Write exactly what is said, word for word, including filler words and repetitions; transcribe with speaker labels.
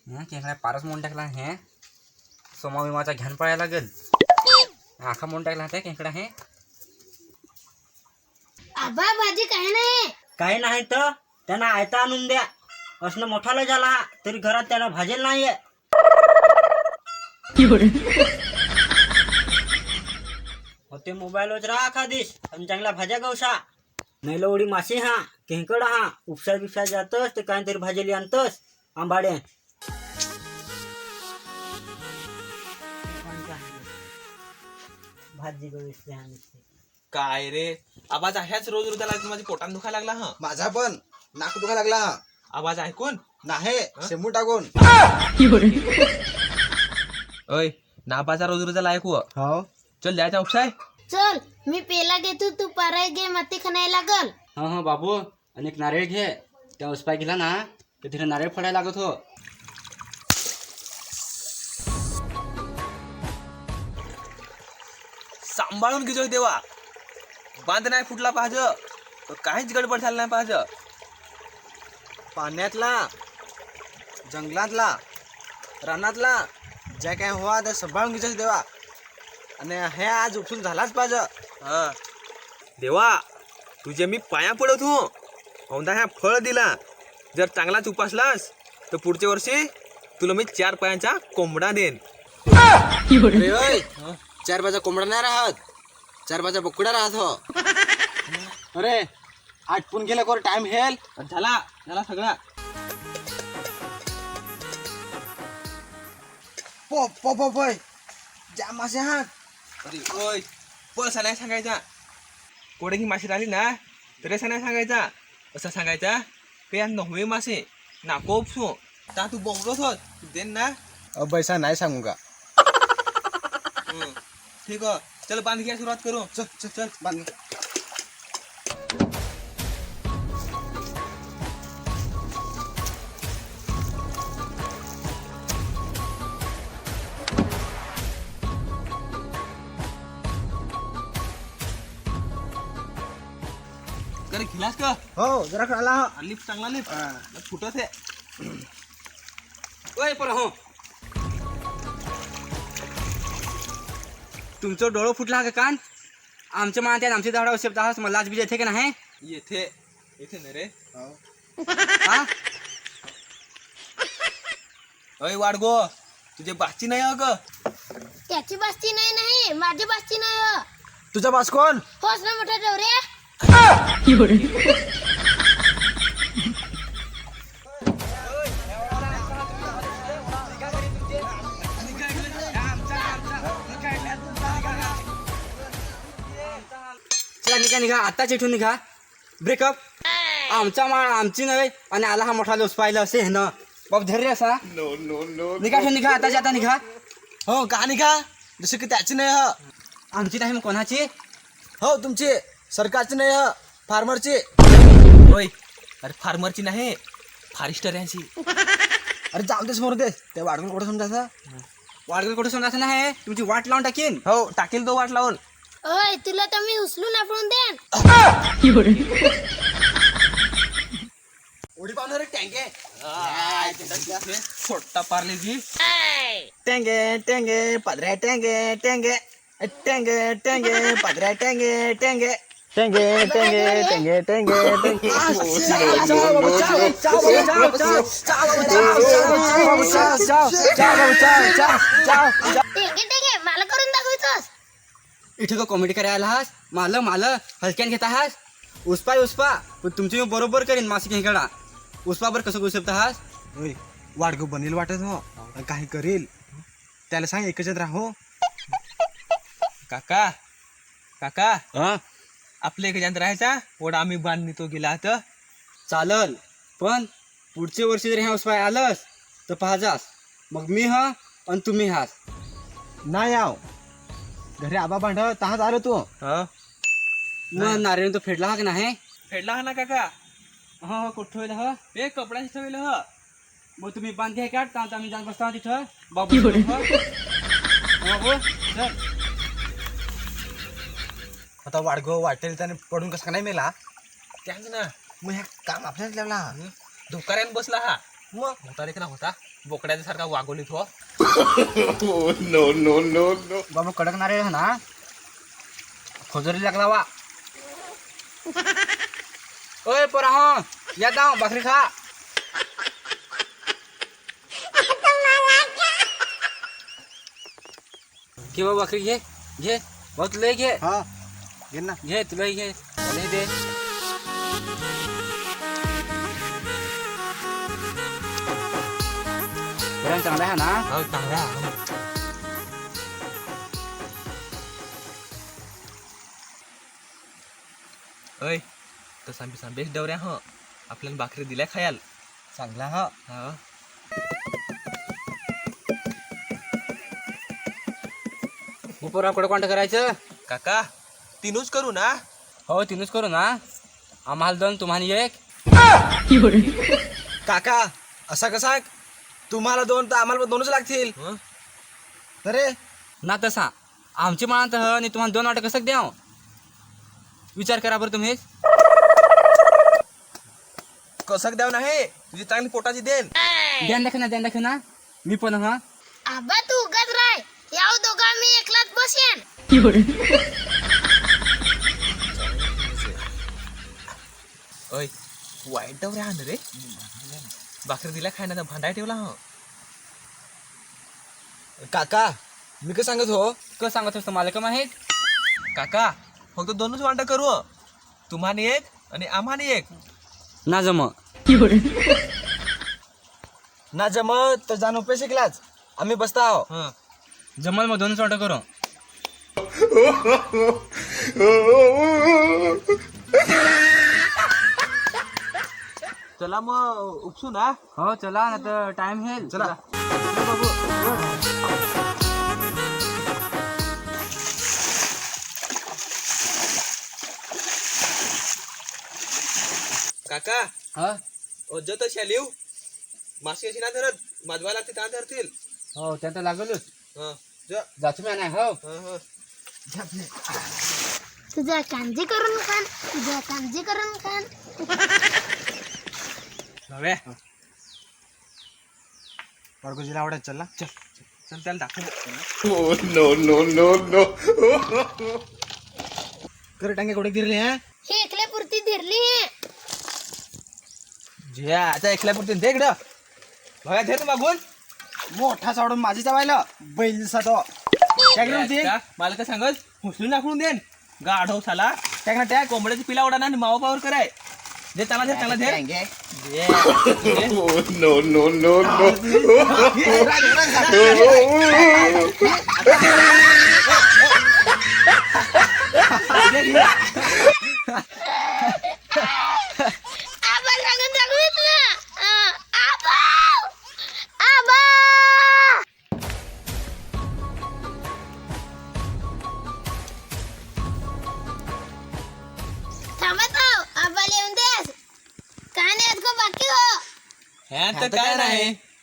Speaker 1: खेकडा पारच म्हणून टाकला हे सोमा विमाचा घ्यान पडायला लागेल आखा म्हणून टाकला त्या खेकडा हे
Speaker 2: आबा भाजी काय नाही
Speaker 1: काही नाही तर त्यांना आयता आणून द्या असणं मोठाला झाला तरी घरात त्याला भाजेल नाहीये होते मोबाईलवर राहा खादीस आणि चांगला भाज्या गवसा नाही लवडी मासे हा केंकड हा उपसा बिपसा जातस ते काहीतरी भाजेली आणतस आंबाडे भाजी गवसली हा
Speaker 3: काय रे आवाज ह्याच रोज रोज लागला माझ्या पोटात दुखायला लागला हा
Speaker 4: माझा पण नाक दुखा लागला हा
Speaker 3: आवाज ऐकून
Speaker 4: नाही शेमू टाकून
Speaker 3: ओय नापाचा रोज रोज ऐकू
Speaker 4: हो
Speaker 3: चल द्यायचा उपसाय
Speaker 2: चल मी पेला घेतो तू पाराय घे माती खाणायला लागल
Speaker 1: हा हा बाबू आणि एक नारळ घे त्या उसपाय गेला ना तर तिथे नारळ फोडायला लागत हो
Speaker 3: सांभाळून घेतो देवा बांध नाही फुटला पाहिजे काहीच गडबड झालं नाही पाहिजे
Speaker 4: पाण्यातला जंगलातला रानातला ज्या काय हवा त्या सांभाळून घ्यायचं देवा आणि हे आज उपसून झालाच पाहिजे
Speaker 3: हा देवा तुझे मी पाया पडत हो औंधा ह्या फळ दिला जर चांगलाच उपासलास तर पुढच्या वर्षी तुला मी चार पायांचा कोंबडा देन
Speaker 4: अरे ओय, चार बाजा कोंबडा नाही राहत चार बाजा बोकडा राहत हो अरे आटपून गेला कोर टाइम हेल
Speaker 3: झाला झाला सगळा
Speaker 4: पो पो पो पोय जा मासे हा
Speaker 3: अरे ओय पळसा नाही सांगायचा कोडे ही माशी राहिली ना तर असा नाही सांगायचा असं सांगायचा पे या नववे मासे नाको उपसू ता तू बोंबलत होत तू देन ना
Speaker 4: अब पैसा नाही सांगू का
Speaker 3: हं. ठीक आहे चल बांध घ्या सुरुवात करू
Speaker 4: चल चल चल बांध
Speaker 3: करे खिलास का
Speaker 4: हो जरा खाला
Speaker 3: लिफ्ट चांगला लिफ्ट फुटत आहे
Speaker 1: ओय पर हो तुमचं डोळं फुटला का कान आमच्या मानत्यात आमची झाडा शब्द आहात मला लाज बीज येते का नाही
Speaker 3: येथे येथे ना रे
Speaker 1: हा
Speaker 3: अय वाडगो तुझे बाची नाही अग
Speaker 2: त्याची बास्ती नाही नाही माझी बास्ती नाही हो.
Speaker 4: तुझा बास कोण
Speaker 2: होस ना मोठा डवरे
Speaker 1: चला निघा निघा आताच इथून निघा ब्रेकअप आमचा माळ आमची नव्हे आणि आला हा मोठा लोस पाहिलं असे हे ना बाब धैर्य असा निघा इथून निघा आताच्या आता निघा
Speaker 4: हो कहाणी का जसं की त्याची नाही ह
Speaker 1: आमची नाही मग कोणाची
Speaker 4: हो तुमची सरकारची नाही ह फार्मरची
Speaker 3: होय अरे फार्मरची नाही फॉरेस्टर यांची
Speaker 4: अरे जाऊ दे समोर दे ते वाढवून कुठं समजायचं
Speaker 1: वाडगल कुठे समजायचं नाही तुमची वाट लावून टाकीन
Speaker 3: हो टाकेल तो वाट लावून
Speaker 2: ओय तुला तर मी उचलून आपण देन
Speaker 4: उडी पावणार टँके
Speaker 3: छोटा पार्लेजी
Speaker 4: टेंगे टेंगे पदऱ्या टेंगे टेंगे टेंगे टेंगे पदऱ्या टेंगे टेंगे टेंगे टेंगे टेंगे टेंगे टेंगे
Speaker 2: टेके टेके मला करून दाखवायचंस
Speaker 1: इथे का कॉमेडी करायला आहास माल माल हलक्यान घेत आहास उसपा उसपा पण तुमची मी बरोबर करीन मासिक हेकडा उसपा बर कसं करू शकता आहास
Speaker 4: वाडग बनेल वाटत हो काही करेल त्याला सांग एकच राहो
Speaker 3: काका काका
Speaker 1: हा
Speaker 3: आपल्या एक जण राहायचा ओढा आम्ही बांधणी तो गेला आता
Speaker 1: चालल पण पुढच्या वर्षी जर ह्या उसपाय आलंस तर पाहजास मग मी हा आणि तुम्ही हास
Speaker 4: नाही याव घरी आबा भांड तहाच आलो तू
Speaker 1: मग नारायण तो फेडला हा का नाही
Speaker 3: फेडला हा ना काका
Speaker 1: हा हा कुठं ठेवलं हा
Speaker 3: हे कपड्याच ठेवलं ह
Speaker 1: मग तुम्ही बांधे काढता आता आम्ही जात बसता तिथं बाबू बाबू चल
Speaker 4: आता वाडग वाटेल त्याने पडून कसा नाही मेला
Speaker 3: त्याच ना
Speaker 4: मग ह्या काम आपल्याला लावला
Speaker 3: धोकाऱ्यान बसला हा मग होता देखील होता बोकड्याचा सारखा वागवलीत हो
Speaker 1: बाबा कडक नारळ आहे ना खोजरी लागला वा ओय पोरा हो या दाव भाकरी खा घे बाबा भाकरी घे घे भाऊ तुला घे
Speaker 4: हा घे ना
Speaker 1: घे तुला घे मला दे गरम चांगला आहे ना
Speaker 3: हो चांगला अय तसा बिसा बेस्ट डवऱ्या हो आपल्याला भाकरी दिल्या खायाल
Speaker 4: चांगला हा
Speaker 3: हा
Speaker 1: पोरा कुठं कॉन्टॅक्ट करायचं
Speaker 3: काका तीनच करू ना
Speaker 1: हो तीनच करू ना आम्हाला दोन तुम्हाला एक
Speaker 4: काका असा कसा तुम्हाला दोन तर आम्हाला पण दोनच लागतील
Speaker 3: हं?
Speaker 4: अरे
Speaker 1: ना तसा आमची म्हणा तर आणि तुम्हाला दोन वाटं कसं द्याव विचार करा बरं तुम्ही
Speaker 3: कसं द्याव नाही तुझी चांगली पोटाची देन
Speaker 1: ध्यान दाखव ना ध्यान दाखव ना मी पण हा
Speaker 2: आबा तू उगाच राय याव दोघा मी एकलाच बसेन
Speaker 3: अय वाईट डवऱ्या आण रे भाकरी दिल्या खायला भांडाय ठेवला हो
Speaker 4: काका मी काय सांगत हो
Speaker 1: कसं सांगत असतं मला का माहीत
Speaker 3: काका फक्त दोनच वांटा करू तुम्हाला एक आणि आम्हाला एक
Speaker 1: ना जम
Speaker 4: ना जमत तर जाणू पे शिकलाच आम्ही बसता आहो
Speaker 3: हं
Speaker 1: जमल मग दोनच वाटं करू
Speaker 3: चला मग उपसू ना
Speaker 1: हो चला ना तर टाइम हेल
Speaker 4: चला
Speaker 3: काका
Speaker 1: हा
Speaker 3: अज तशा लिव मासे अशी ना धरत माधवा लागते त्या धरतील
Speaker 1: हो त्या तर लागलोच
Speaker 3: हं जा
Speaker 1: जातो मी नाही हो
Speaker 3: हं हं
Speaker 2: तुझ्या कांजी करून खान तुझ्या कांजी करून खान
Speaker 3: नव्हे
Speaker 4: पडगोजीला आवडत चल
Speaker 3: चल चल त्याला दाखव
Speaker 4: कर टांगे कुठे गिरले हा
Speaker 2: हे एकल्या पुरती धरली हे
Speaker 3: जे आता एकल्यापुरती दे इकडं बघा दे तू मागून
Speaker 4: मोठा चावडून माझी चावायला बैल दिसा तो टॅग होती
Speaker 3: त्या मला काय सांगत हुसलून दाखवून देन गाढव साला
Speaker 4: टॅग ना टॅग
Speaker 3: कोंबड्याची पिला उडाना आणि मावा पावर कराय दे त्याला दे त्याला दे
Speaker 4: टँगे.
Speaker 3: दे. दे.
Speaker 2: आबा सांगून दाखवीत ना अं, आबा आबा थांबत हो आबा लिहून देस काय नाही बाकी हो
Speaker 3: ह्यात तर काय नाही